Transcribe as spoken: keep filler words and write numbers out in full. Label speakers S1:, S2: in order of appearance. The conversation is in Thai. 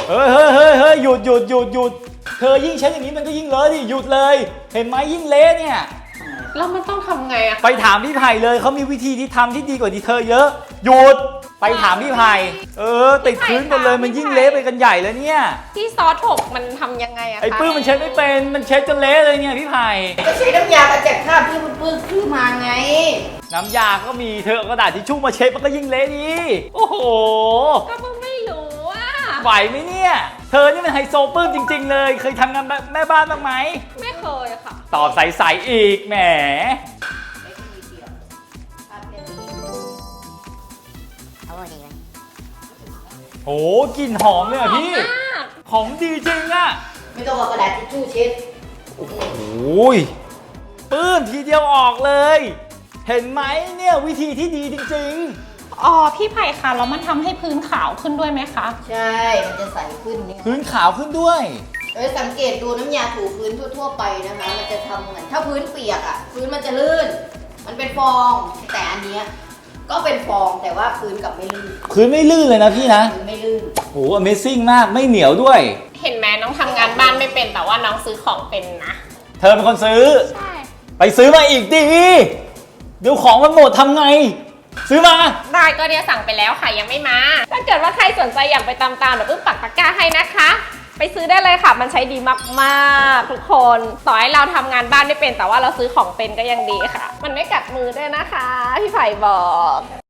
S1: เฮ้ยเฮ้ยเฮ้ยเฮ้ยหยุดหยุดหยุดหยุดเธอยิ่งใช้อย่างนี้มันก็ยิ่งเลอะดิหยุดเลยเห็นไหมยิ่งเละเนี่ย
S2: แล้วมันต้องทำไงอะ
S1: ไปถามพี่ไผ่เลยเขามีวิธีที่ทำที่ดีกว่าที่เธอเยอะหยุดไปถามพี่ไผ่เออติดพื้นกันเลยมันยิ่งเละไปกันใหญ่แล้วเนี่ย
S2: ที่ซอสถกมันทำยังไงอะคะ
S1: ไอ้ปื้มมันเช็ดไม่เป็นมันเช็ดจนเละเลยเนี่ยพี่ไผ่
S3: ก็ใช้น้ำยากระจัดคราบที่มันปื้นขึ้นมาไง
S1: น้ำยาก็มีเธอเอากระดาษทิชชู่มาเช็ดมันก็ยิ่งเละดีโอ้โห
S2: ก็เพิ่งไม่รู้อะ
S1: ไหวไหมเนี่ยเธอนี่มันไฮโซปื้มจริงๆเลยเคยทำงานแม่บ้านบ้างไหม
S2: ไม่เคยค่ะ
S1: ตอบใสๆอีกแหมโอ้กลิ่นหอมเลยอ่ะพี่ของดีจริงอ่ะ
S3: ไม่ต้องเอากระดาษทิชชู่เช็ด
S1: โอ้โหปื้มทีเดียวออกเลยเห็นไหมเนี่ยวิธีที่ดีจริง
S2: ๆอ๋อพี่ไผ่ค่ะแล้วมันทำให้พื้นขาวขึ้นด้วยไหมคะ
S3: ใช่มันจะใสขึ้นนี่
S1: พื้นขาวขึ้นด้วย
S3: เออสังเกตดูน้ำยาถูพื้นทั่วๆไปนะคะมันจะทำเหมือนถ้าพื้นเปียกอ่ะพื้นมันจะลื่นมันเป็นฟองแต่อันเนี้ยก็เป็นฟองแต่ว่าพื้นกับไม่ลื่น
S1: พื้นไม่ลื่นเลยนะพี่นะ
S3: พื้นไม่ลื่น
S1: โห Amazing มากไม่เหนียวด้วย
S2: เห็นไหมน้องทำงานบ้านไม่เป็นแต่ว่าน้องซื้อของเป็นนะ
S1: เธอเป็นคนซื้อ
S2: ใช่
S1: ไปซื้อมาอีกดิเดี๋ยวของมันหมดทำไงซื้อมา
S2: ได้ก็เดี๋ยวสั่งไปแล้วค่ะยังไม่มาถ้าเกิดว่าใครสนใจอยากไปตามๆเดี๋ยวปื้มปักตะกร้าให้นะคะไปซื้อได้เลยค่ะมันใช้ดีมากๆทุกคนต่อให้เราทำงานบ้านไม่เป็นแต่ว่าเราซื้อของเป็นก็ยังดีค่ะมันไม่กัดมือด้วยนะคะพี่ไผ่บอก